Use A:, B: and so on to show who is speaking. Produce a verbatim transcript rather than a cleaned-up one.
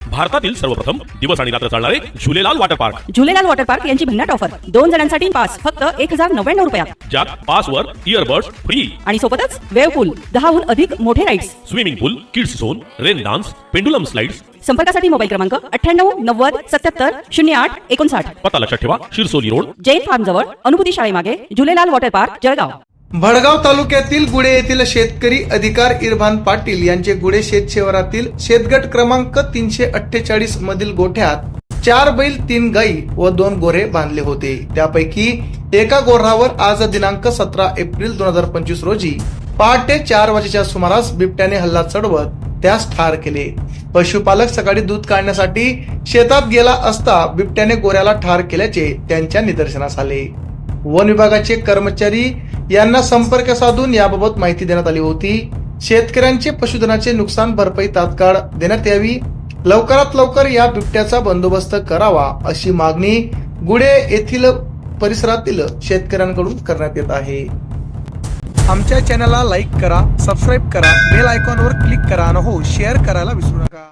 A: भारतातील सर्वप्रथम दिवस आणि रात्र चालणारे Jhulelal water park
B: Jhulelal water park यांची भन्नाट ऑफर दोन जणांसाठी पास फक्त एक हजार नव्याण्णव रुपयात,
A: ज्यात पासवर इयरबड्स फ्री
B: आणि सोबतच वेव्ह पूल, दहाहून अधिक मोठे rides,
A: swimming pool, kids zone, rain dance, pendulum slides.
B: संपर्कासाठी मोबाईल क्रमांक अठ्ठ्याण्णव नव्वद सत्याहत्तर शून्य आठ एकोणसाठ.
A: पत्ता लक्षात ठेवा, शिरसोली रोड,
B: जैन फार्म जवळ, अनुभूती शाळेमागे, झुलेलाल वॉटर पार्क, जळगाव.
C: भडगाव तालुक्यातील गुढे येथील शेतकरी अधिकार इरभान पाटील यांचे गुढे शेत शिवारातील शेतगट क्रमांक तीनशे अठ्ठेचाळीस मधील गोठ्यात चार बैल, तीन गाई व दोन गोरे बांधले होते. त्यापैकी एका गोऱ्हावर आज दिनांक सतरा एप्रिल दोन हजार पंचवीस रोजी पहाटे चार वाजेच्या सुमारास बिबट्याने हल्ला चढवत त्यास ठार केले. पशुपालक सकाळी दूध काढण्यासाठी शेतात गेला असता बिबट्याने गोऱ्याला ठार केल्याचे त्यांच्या निदर्शनास आले. वन विभागाचे कर्मचारी यांना संपर्क साधून याबाबत माहिती देण्यात आली होती. शेतकऱ्यांचे पशुधनाचे नुकसान भरपाई तात्काळ देण्यात यावी, लवकरात लवकर या बिबट्याचा बंदोबस्त करावा अशी मागणी गुढे येथील परिसरातील शेतकऱ्यांकडून करण्यात येत आहे. आमच्या चॅनलला लाईक करा, सबस्क्राईब करा, बेल आयकॉनवर क्लिक करा आणि हो शेअर करायला विसरू नका.